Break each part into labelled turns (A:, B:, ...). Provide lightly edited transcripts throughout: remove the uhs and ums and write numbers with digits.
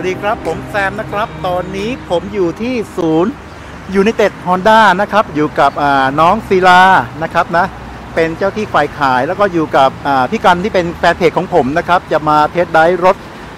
A: สดีครับผมแซมนะครับตอนนี้ผมอยู่ที่ศูนย์ยูไนเต็ดฮอนด้านะครับอยู่กับน้องศิลานะครับนะเป็นเจ้าที่ฝ่ายขายแล้วก็อยู่กับพี่กันที่เป็นแฟนเพจของผมนะครับจะมาเทสไดรฟ์รถ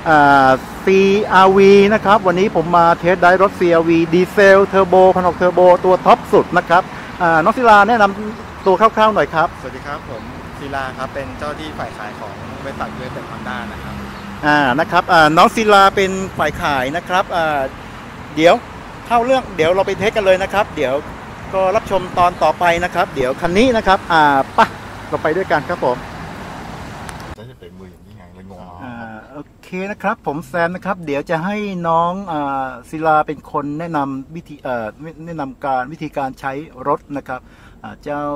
A: CRV นะครับวันนี้ผมมาเทสไดรฟ์รถ CRV ดีเซลเทอร์โบ1,600เทอร์โบตัวท็อปสุดนะครับน้องศิลาแนะนำตัวคร่าวๆหน่อยครับ
B: สวัสดีครับผมศิลาครับเป็นเจ้าที่ฝ่ายขายของบริษัทยูไนเต็ดฮอนด้านะครับ
A: นะครับน้องศิลาเป็นฝ่ายขายนะครับเดี๋ยวเข้าเรื่องเดี๋ยวเราไปเทสกันเลยนะครับเดี๋ยวก็รับชมตอนต่อไปนะครับเดี๋ยวคันนี้นะครับปะเราไปด้วยกันครับผม
B: จะเป็นมืออย่างนี้ไงเลยงง
A: โอเคนะครับผมแซมนะครับเดี๋ยวจะให้น้องศิลาเป็นคนแนะนำวิธีการใช้รถนะครับเจ้า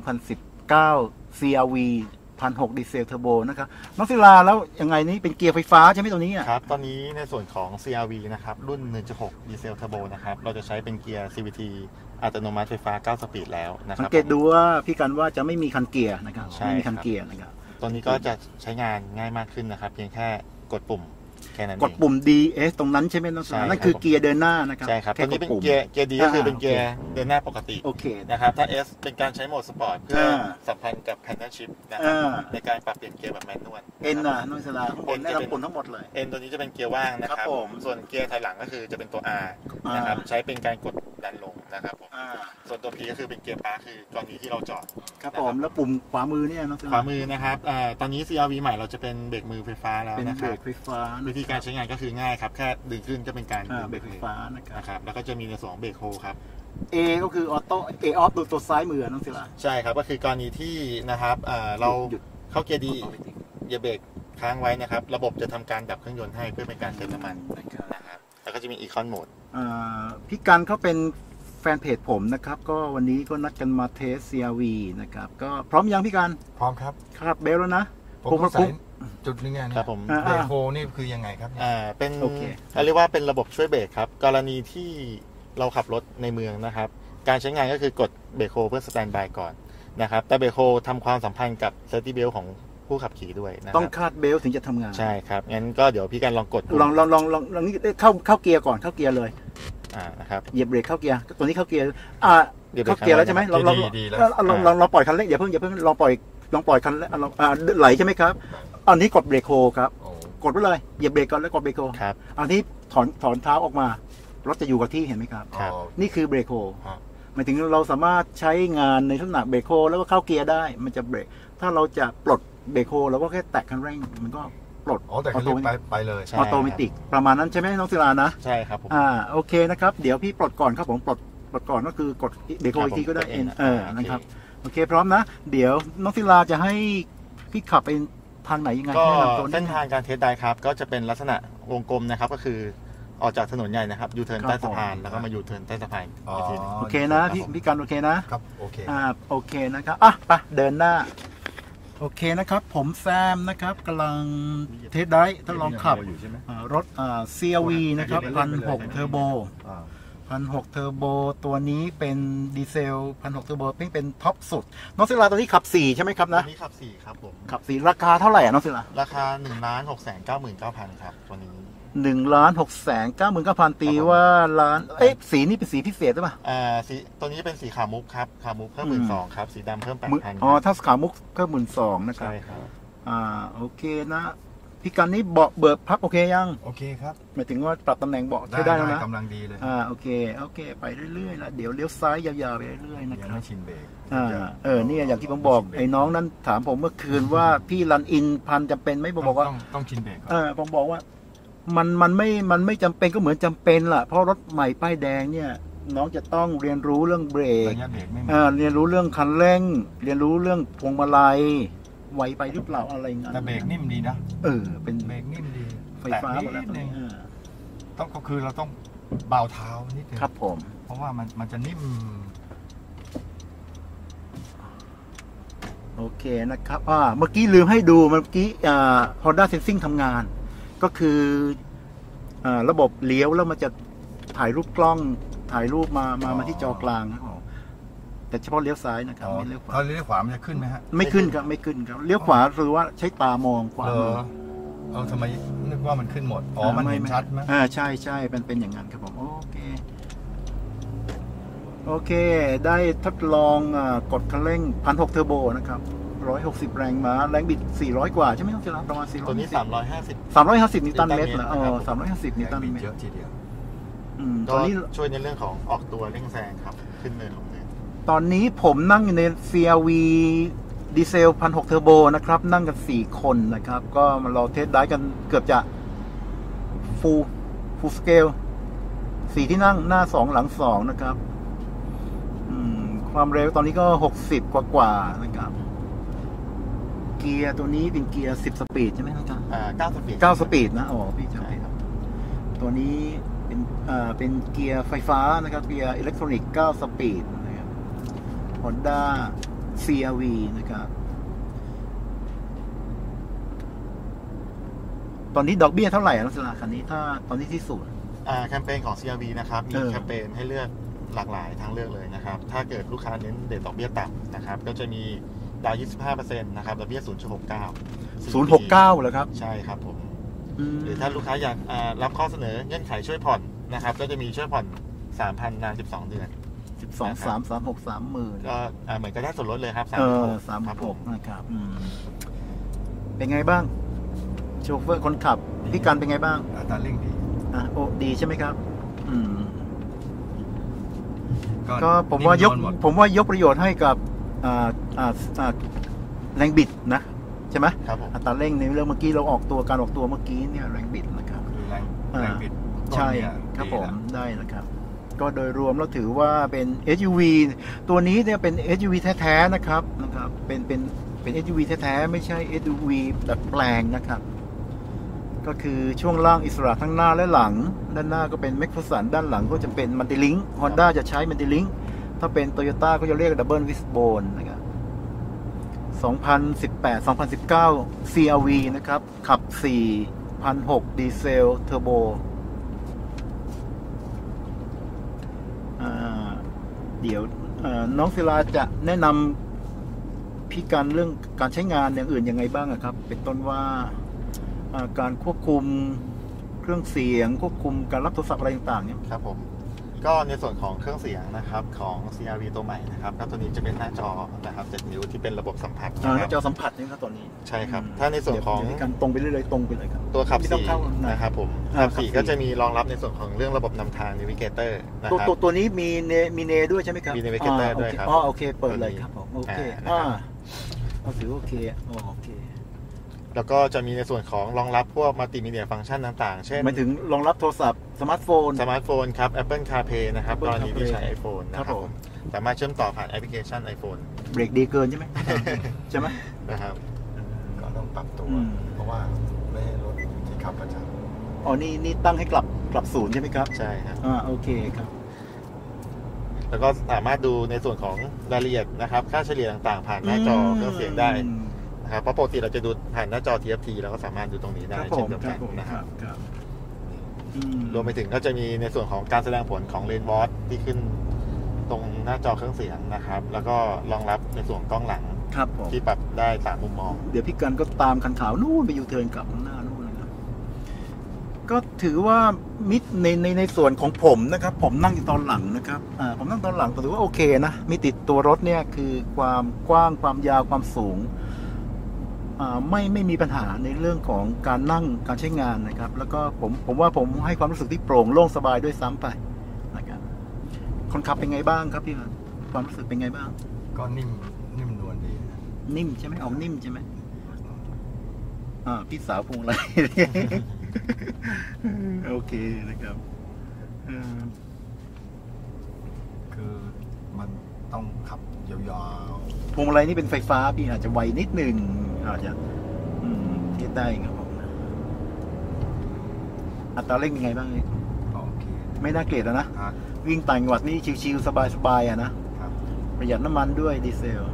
A: 2019 CRV 1,600ดีเซลเทอร์โบนะครับน้องศิลาแล้วยังไงนี่เป็นเกียร์ไฟฟ้าใช่ไหมตัวนี้
B: ครับตอนนี้ในส่วนของ CRV นะครับรุ่น 1.6 ดีเซลเทอร์โบนะครับเราจะใช้เป็นเกียร์ CVT อัตโนมัติไฟฟ้า9สปีดแล้วนะครับ
A: สังเกตดูว่าพี่กันว่าจะไม่มีคันเกียร์นะครับไม่มีคันเกียร์นะครับ
B: ตัวนี้ก็จะใช้งานง่ายมากขึ้นนะครับเพียงแค่กดปุ่มแค่นั้น
A: กดปุ่ม DS ตรงนั้นใช่ไหมน้องศิลานั่นคือเกียร์เดินหน้านะครับ
B: ใช่ครับตัวนี้เป็นเกียร์ D ก็คือเป็นเกียร์เดินหน้าปกติ
A: โอเค
B: นะครับถ้า S เป็นการใช้โหมดสปอร์ตเพื่อสัมพันธ์กับแพนเนลชิพนะครับในการปรับเปลี่ยนเกียร์แบบแมนนวล
A: N น้องศิลาNได้รับผลทั้งหมดเลย
B: N ตัวนี้จะเป็นเกียร์ว่างนะครับส่วนเกียร์ถอยหลังก็คือจะเป็นตัว R นะครับใช้เป็นการกดดันลงนะครับผมส่วนตัว P ก็คือเป็นเกียร์ปาร์คคือกรณีที่เราจอด
A: ครับผมแล้วปุ่มขวามือเนี่ยน้องศิลา
B: ขวามือนะครับตอนนี้ CRV ใหม่เราจะเป็นเบรกมือไฟฟ้าแล้วนะครับ
A: เป็นเบรกไฟฟ้า
B: วิธีการใช้งานก็คือง่ายครับแค่ดึงขึ้นก็เป็นการ
A: เบรกไฟฟ้านะครับ
B: แล้วก็จะมีในส่วนของเบรกโฮครับ
A: A ก็คือออโต้A off ดูตัวซ้ายมือน้องศิลา
B: ใช่ครับก็คือกรณีที่นะครับเราเข้าเกียร์ดีอย่าเบรกค้างไว้นะครับระบบจะทำการดับเครื่องยนต์ให้เพื่อเป็นการเซฟน้ำมันนะครับแล้วก็จะมีอีคอนโหมด
A: พี่กันเขาเป็นแฟนเพจผมนะครับก็วันนี้ก็นัดกันมาเทส CRV นะครับก็พร้อมยังพี่กัน
C: พร้อมครับ
A: คาดเบลแล้วนะ
C: ผมใส่จุดนึงไงครับผมเบรกโฮนี่คือยังไงครับ
B: เป็นเรียกว่าเป็นระบบช่วยเบรกครับกรณีที่เราขับรถในเมืองนะครับการใช้งานก็คือกดเบรกโฮเพื่อสแตนด์บายก่อนนะครับแต่เบรกโฮทำความสัมพันธ์กับเซฟตี้เบลของผู้ขับขี่ด้วยนะ
A: ต้องคาดเบลถึงจะทำงาน
B: ใช่ครับงั้นก็เดี๋ยวพี่กันลองกด
A: ลองนี่เข้าเกียร์ก่อนเข้าเกียร์เลย
B: นะครับ
A: เหยียบเบรกเข้าเกียร์ตัวนี้เข้าเกียร์เข้าเกียร์แล้วใช่ไหมลองปล่อยคันเร่งอย่าเพิ่งลองปล่อยคันไหลใช่ไหมครับอันนี้กดเบรกโฮครับกดไปเลยเหยียบเบรกก่อนแล้วกดเบรกโฮอันนี้ถอนเท้าออกมารถจะอยู่กับที่เห็นไหมครับนี่คือเบรกโฮหมายถึงเราสามารถใช้งานในลักษณะเบรกโฮแล้วก็เข้าเกียร์ได้มันจะเบรกถ้าเราจะปลดเบรกโฮเราก็แค่แตะคันเร่งมันก็ปลด
C: แต่คันเร่งไปเลย
A: ออโตเมติกประมาณนั้นใช่ไหมน้องศิลานะ
B: ใช่ครับผม
A: โอเคนะครับเดี๋ยวพี่ปลดก่อนครับผมปลดก่อนก็คือกดเบรกโฮอีกทีก็ได้นะครับโอเคพร้อมนะเดี๋ยวน้องศิลาจะให้พี่ขับไปทางไหนยังไง
B: ก็เส้นทางการเทสได้ครับก็จะเป็นลักษณะวงกลมนะครับก็คือออกจากถนนใหญ่นะครับยูเทิร์นใต้สะพานแล้วก็มายูเทิร์นใต้สะพานอีกทีนึง
A: โอเคนะพี่กันโอเคนะครับ
C: โอเค
A: โอเคนะครับไปเดินหน้าโอเคนะครับผมแซมนะครับกำลังเทสได้ทดลองขับรถCRV นะครับ1,600เทอร์โบ1,600เทอร์โบตัวนี้เป็นดีเซล1,600เทอร์โบเป็นท็อปสุดน้องศิลาตัวนี้ขับ4ใช่ไหมครับนะ
B: ตัวนี้ขับ4ครับผม
A: ขับ4ราคาเท่าไหร่น้องศิลา
B: ราคา 1,699,000 ครับตัวนี้
A: 1,699,000ตีว่าล้านสีนี้เป็นสีพิเศษหรือเปล่า
B: สีตัวนี้เป็นสีขาวมุกครับขาวมุกเพิ่ม12,000ครับสีดำเพิ่ม8,000
A: ถ้าขาวมุกเพิ่ม12,000นะครับ
B: ใช่ครับ
A: โอเคนะพี่กันนี้เบาะเบิกพับโอเคยัง
C: โอเคครับ
A: หมายถึงว่าปรับตำแหน่งเบาะได้แล้วนะ
C: กำลังดีเลย
A: โอเคไปเรื่อยๆแล้วเดี๋ยวเลี้ยวซ้ายยาวๆไปเรื่อยๆนะครับ
C: ยังไม่ชินเบรก
A: นี่อย่างที่ผมบอกไอ้น้องนั้นถามผมเมื่อคืนว่าพี่รันอินพันจำเป็นไหมบอกว่า
C: ต้องชินเบรก
A: ผมบอกว่ามันไม่จำเป็นก็เหมือนจำเป็นล่ะเพราะรถใหม่ป้ายแดงเนี่ยน้องจะต้องเรียนรู้เรื่องเบรกเรียนรู้เรื่องคันเร่งเรียนรู้เรื่องพวงมาลัยไวไปหรือเปล่าอะไรเงี้ย
C: แต่เบรกนิ่มดีนะ
A: เป็น
C: เบรกนิ่มดี
A: ไฟฟ้าหมดแล้ว
C: ต้องก็คือเราต้องเบาเท้านิดนึง
A: ครับผม
C: เพราะว่ามันจะนิ่ม
A: โอเคนะครับเมื่อกี้ลืมให้ดูเมื่อกี้Honda Sensing ทำงานก็คือระบบเลี้ยวแล้วมันจะถ่ายรูปกล้องถ่ายรูปมาที่จอกลางแต่เฉพาะเลี้ยวซ้ายนะครับไม่เลี้ยวขวา
C: ถ้าเลี้ยวขวามันจะขึ้นไหมฮะ
A: ไม่ขึ้นครับเลี้ยวขวาคือว่าใช้ตามองขวา
C: ทำไมนึกว่ามันขึ้นหมดมันเห็นชัดไหม
A: ใช่ใช่เป็นอย่างนั้นครับผมโอเคได้ทดลองกดคันเร่ง1,600เทอร์โบนะครับ160แรงม้าแรงบิด400กว่าใช่ไหมต้องเจอประมาณ400
B: ตัวนี้
A: 350นิวตันเมตรเหรอ350นิวตันเมตร
C: เยอะทีเดียว
B: ตอนนี้ช่วยในเรื่องของออกตัวเร่งแซงครับขึ้นเนินลงเนิน
A: ตอนนี้ผมนั่งอยู่ใน CRV ดีเซล1,600เทอร์โบนะครับนั่งกัน4คนนะครับก็มาเราเทสได้กันเกือบจะฟูลสเกล4ที่นั่งหน้า2หลัง2นะครับความเร็วตอนนี้ก็60กว่านะครับเกียร์ตัวนี้เป็นเกียร์10สปีดใช่ไหมครับ9สปีดนะพี่จำได้ครับตัวนี้เป็นเกียร์ไฟฟ้านะครับเกียร์อิเล็กทรอนิกส์9สปีดนะครับ Honda CR-V นะครับตอนนี้ดอกเบี้ยเท่าไหร่ลักษณะคันนี้ถ้าตอนนี้ที่ศูนย์
B: แคมเปญของ CR-V นะครับมีแคมเปญให้เลือกหลากหลายทางเลือกเลยนะครับถ้าเกิดลูกค้าเน้นเดทดอกเบี้ยต่ำนะครับก็จะมีดาว 25% นะครับดอกเบี้ย 0.69
A: เหรอครับ
B: ใช่ครับผมหรือถ้าลูกค้าอยากรับข้อเสนอเงื่อนไขช่วยผ่อนนะครับก็จะมีช่วยผ่อน 3,000 นาน12 เดือน
A: 12 3 3 6 30,000
B: ก็เหมือนก็ได้ส่วนลดเลยครับ
A: 36นะครับเป็นไงบ้างโชเฟอร์คนขับพี่กันเป็นไงบ้าง
C: อัตราเร่งดี
A: ดีใช่ไหมครับก็ผมว่ายกประโยชน์ให้กับแรงบิดนะใช่ไหมอัตราเร่งในเรื่องเมื่อกี้เราการออกตัวเมื่อกี้เนี่ยแรงบิดนะครับ
C: แรงบิด
A: ใช่ครับผมได้นะครับก็โดยรวมเราถือว่าเป็น SUV ตัวนี้เนี่ยเป็น SUV แท้ๆนะครับเป็น SUV แท้ๆไม่ใช่ SUV ดัดแปลงนะครับก็คือช่วงล่างอิสระทั้งหน้าและหลังด้านหน้าก็เป็นแม็กฟอร์สันด้านหลังก็จะเป็นมันติลิง Honda จะใช้มันติลิงถ้าเป็น Toyota ก็จะเรียกดับเบิลวิสโบนนะครับ2018-2019 CR-V นะครับขับ 4,600 ดีเซลเทอร์โบเดี๋ยวน้องศิลาจะแนะนำพี่กันเรื่องการใช้งานอย่างอื่นยังไงบ้างครับเป็นต้นว่าการควบคุมเครื่องเสียงควบคุมการรับโทรศัพท์อะไรต่างๆเนี่ย
B: ครับผมก็ในส่วนของเครื่องเสียงนะครับของ CR-V ตัวใหม่นะครับตัวนี้จะเป็นหน้าจอนะครับ7 นิ้วที่เป็นระบบสัมผัส
A: หน้าจอสัมผัสนี่ครับตัวนี้
B: ใช่ครับถ้าในส่วนของ
A: การตรงไปเรื่อยๆตรงไปเลยครับ
B: ตัวขับ4นะครับผมขับ4ก็จะมีรองรับในส่วนของเรื่องระบบนำทาง Navigator นะครับ
A: ตัวนี้มีเนด้วยใช่ไหมครับ
B: มี Navigator ด้วยครับ
A: โอเคเปิดเลยครับผมโอเคถือโอเค
B: แล้วก็จะมีในส่วนของรองรับพวกมัลติมีเดียฟังก์ชันต่างๆเช่น
A: หมายถึงรองรับโทรศัพท์สมาร์ทโฟ
B: นครับ Apple CarPlay นะครับกรณีที่ใช้ iPhone นะครับสามารถเชื่อมต่อผ่านแอปพลิเคชัน iPhone
A: เบรกดีเกินใช่ไหมใช่ไหม
B: นะครับ
C: ก็ต้องปรับตัวเพราะว่าไม่ให้รถที่ขับประจ
A: ำนี่ตั้งให้กลับศูนย์ใช่ไหมครับ
B: ใช่ครับ
A: โอเคครับ
B: แล้วก็สามารถดูในส่วนของรายละเอียดนะครับค่าเฉลี่ยต่างๆผ่านหน้าจอเครื่องเสียงได้นะครับเพราะปกติเราจะดูผ่านหน้าจอ TFT เราก็สามารถดูตรงนี้ได้เช่นเดียวกันนะครับรวมไปถึงก็จะมีในส่วนของการแสดงผลของเลนส์วอทที่ขึ้นตรงหน้าจอเครื่องเสียงนะครับแล้วก็รองรับในส่วนกล้องหลังที่ปรับได้3มุมมอง
A: เดี๋ยวพี่กันก็ตามคันขาวนู่นไปยูเทิร์นกลับหน้านู่นนะครับก็ถือว่ามิดในส่วนของผมนะครับผมนั่งอยู่ตอนหลังนะครับผมนั่งตอนหลังถือว่าโอเคนะมิติตัวรถเนี่ยคือความกว้างความยาวความสูงไม่มีปัญหาในเรื่องของการนั่งการใช้งานนะครับแล้วก็ผมว่าผมให้ความรู้สึกที่โปร่งโล่งสบายด้วยซ้ำไปนะครับคนขับเป็นไงบ้างครับพี่ความรู้สึกเป็นไงบ้าง
C: ก็นิ่มนวลดี
A: นิ่มใช่ไหมนิ่มใช่ไหมพี่สาวพงอะไรโอเคนะครับ
C: คือมันต้องขับยาว
A: ๆพวงอะไรนี่เป็นไฟฟ้าพี่อาจจะไวนิดนึงอาจจะเทียบได้ครับผมอัตราเร่งเป็นไงบ้างเนี่ยไม่น่าเกลียดนะวิ่งต่างจังหวัดนี่ชิวๆสบายๆนะประหยัดน้ำมันด้วยดีเซล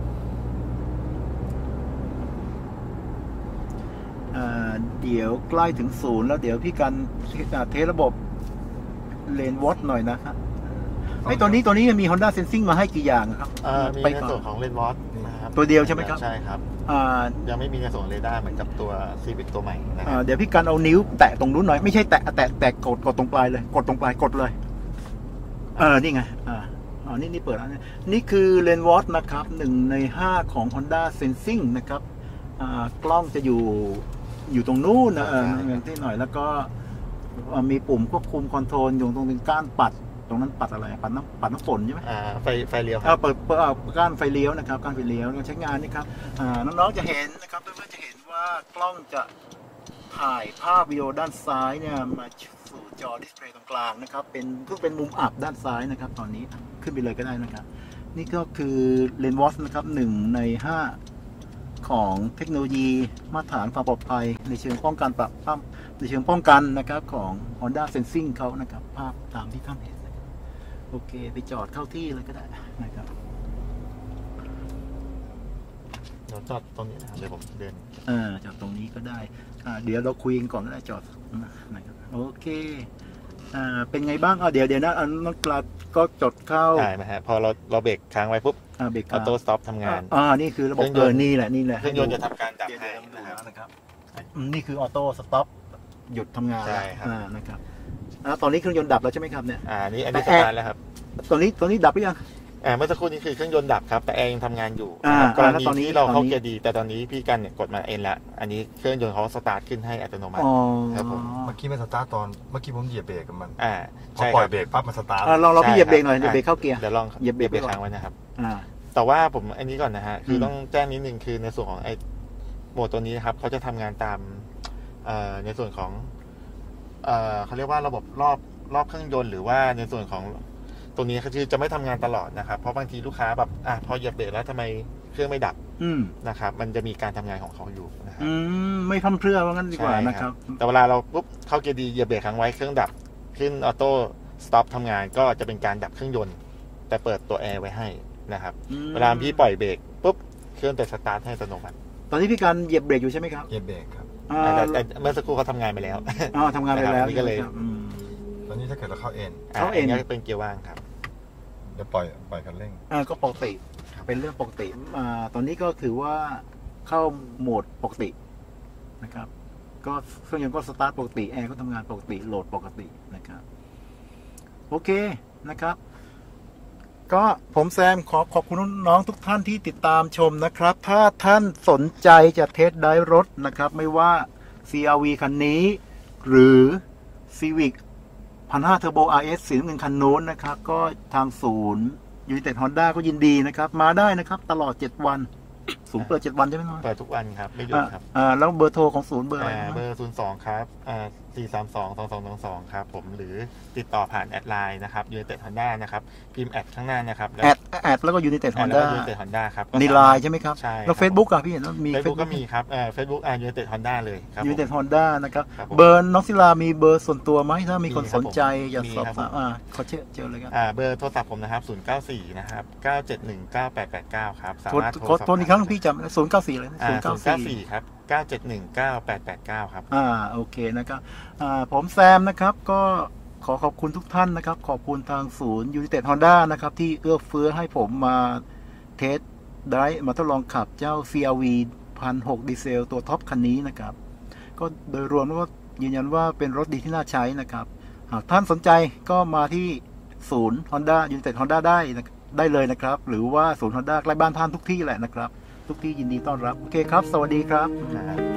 A: เดี๋ยวใกล้ถึงศูนย์แล้วเดี๋ยวพี่กันเทสระบบเลนวอทหน่อยนะครับตัวนี้มี Honda Sensing มาให้กี่อย่างครับ
B: มีในส่วนของเลนวอทครับ
A: ตัวเดียวใช่ไหมครับ
B: ใช่ครับยังไม่มีในส่วนเรดาร์เหมือนกับตัวซีวิกตัวใหม่นะครับ
A: เดี๋ยวพี่กันเอานิ้วแตะตรงนู้นหน่อยไม่ใช่แตะกดตรงปลายเลยกดตรงปลายกดเลยนี่ไงนี่เปิดแล้วนี่คือเลนส์วอทนะครับ1 ใน 5ของ Honda Sensing นะครับกล้องจะอยู่ตรงนู้นนะที่หน่อยแล้วก็มีปุ่มควบคุมคอนโทรลอยู่ตรงก้านปัดตรงนั้นปัดอะไรปัดน้ำฝนใช่ไหม
B: ไฟเลี้ยว
A: เปิดก้านไฟเลี้ยวนะครับก้านไฟเลี้ยวใช้งานนี่ครับน้องๆจะเห็นนะครับเพื่อนๆจะเห็นว่ากล้องจะถ่ายภาพวิดีโอด้านซ้ายเนี่ยมาสู่จอดิสเพลย์ตรงกลางนะครับเป็นมุมอับด้านซ้ายนะครับตอนนี้ขึ้นไปเลยก็ได้นะครับนี่ก็คือเลนส์วอชนะครับ1 ใน 5ของเทคโนโลยีมาตรฐานความปลอดภัยในเชิงป้องกันในเชิงป้องกันนะครับของ Honda Sensing เขานะครับภาพตามที่ท่านเห็นโอเคไปจอดเข้าที่เลยก็ได้นะครับ
B: เดี๋ยวจอดตรงนี้นะครับเดี๋ยวผมเดิน
A: จอดตรงนี้ก็ได้เดี๋ยวเราคุยกันก่อนก็ได้จอดนะครับโอเคเป็นไงบ้างเดี๋ยวนะน้องกลาก็จดเข้า
B: ใช่ไหมฮะพอเราเบรกค้างไว้ปุ๊บออโต้สต็อปทำงาน
A: นี่คือระบบนี่แหละ
B: เครื่องยนต์จะทำการดับให้
A: นะครับนี่คือออโต้สต็อปหยุดทำงานนะครับตอนนี้เครื่องยนต์ดับแล้วใช่ไหมครับเนี่ย
B: อันนี้สตาร์ทแล้วครับ
A: ตอนนี้ดับหรือยัง
B: เมื่อสักครู่นี้คือเครื่องยนต์ดับครับแต่แอร์ยังทำงานอยู่กรณีที่เราเข้าเกียร์ดีแต่ตอนนี้พี่กันเนี่ยกดมาเองแล้วอันนี้เครื่องยนต์เขาสตาร์ทขึ้นให้อัตโนมัติ
C: ครับผมเมื่อกี้มันสตาร์ทเมื่อกี้ผมเหยียบเบรกกับมันพอปล่อยเบรกปั๊บมันสตาร์ท
A: ลองพี่เหยียบเบรกหน่อยเหยียบเบรกเข้าเกียร์
B: เดี๋ยวลองเหยียบเบรกค้างไว้นะครับแต่ว่าผมอันนี้ก่อนนะฮะคือต้องแจ้งนิดนึงคือในส่วนของไอ้โหมดตัวนี้นะครับเขาจะทำงานตามในส่วนของเขาเรียกว่าระบบรอบเครื่องยนต์หรือว่าในส่วนของตรงนี้คือจะไม่ทำงานตลอดนะครับเพราะบางทีลูกค้าแบบพอเหยียบเบรกแล้วทำไมเครื่องไม่ดับนะครับมันจะมีการทำงานของเขาอยู่นะครับ
A: ไม่พั่มเพรื่อว่างั้นดีกว่านะครับ
B: แต่เวลาเราปุ๊บเข้าเกียร์ดีเหยียบเบรกค้างไว้เครื่องดับขึ้นออโต้สต็อปทำงานก็จะเป็นการดับเครื่องยนต์แต่เปิดตัวแอร์ไว้ให้นะครับเวลาพี่ปล่อยเบรกปุ๊บเครื่องจะสตาร์ทให้อัตโนมัติ
A: ตอนนี้พี่การเหยียบเบรกอยู่ใช่ไหมครับ
C: เหยียบเบรกครับ
B: แต่เมื่อสักครู่เขาทำงานไปแล้ว
A: ทำงานไปแล้ว
B: นี่ก็เลย
C: ตอนนี้ถ้าเกิดเราเข้าเอ็น
B: ก็เป็นเกียร์ว่างครับ
C: จะปล่อยคันเร่ง
A: ก็ปกติเป็นเรื่องปกติตอนนี้ก็ถือว่าเข้าโหมดปกตินะครับก็เครื่องยนต์ก็สตาร์ทปกติแอร์ก็ทำงานปกติโหลดปกตินะครับโอเคนะครับก็ผมแซมขอบคุณน้องทุกท่านที่ติดตามชมนะครับถ้าท่านสนใจจะเทสได้รถนะครับไม่ว่า CR-V คันนี้หรือ Civic 1,500 Turbo RS สีน้ำเงินคันโน้นนะครับก็ทางศูนย์United Honda ก็ยินดีนะครับมาได้นะครับตลอด7 วันศูนย์เปิด7 วันใช่ไหมน้อง
B: เปิดทุกวันครับไม่หยุดครับ
A: แล้วเบอร์โทรของศูนย์เบอร์อะไร
B: เบอร์02ครับ4322222ครับผมหรือติดต่อผ่านแอดไลน์นะครับ United Honda นะครับพิมพ์แอดข้างหน้านะครับ
A: แอดแล้วก็ United Honda
B: ครับ
A: ในไลน์ใช่ไหมครับ
B: ใช่
A: แล้ว Facebook อ่ะพี่เห็นมี
B: Facebook ก็มีครับFacebook United Honda เลยครับ
A: United Honda นะครับเบอร์น้องศิลามีเบอร์ส่วนตัวไหมถ้ามีคนสนใจอยากสอบถามขอเจอเลยครับ
B: เบอร์โทรศัพท์ผมนะครับ094นะครับ9719889ครับสามารถ
A: โทรอีกครั้งพี่จำ094เลย
B: 094ครับ9719889ครับ
A: โอเคนะครับผมแซมนะครับก็ขอบคุณทุกท่านนะครับขอบคุณทางศูนย์ United Honda นะครับที่เอื้อเฟื้อให้ผมมาเทสได้มาทดลองขับเจ้า CR-V 1,600ดีเซลตัวท็อปคันนี้นะครับก็โดยรวมแล้วก็ยืนยันว่าเป็นรถดีที่น่าใช้นะครับหากท่านสนใจก็มาที่ศูนย์ Honda United Honda ได้เลยนะครับหรือว่าศูนย์ Honda ใกล้บ้านท่านทุกที่แหละนะครับทุกที่ยินดีต้อนรับโอเคครับสวัสดีครับ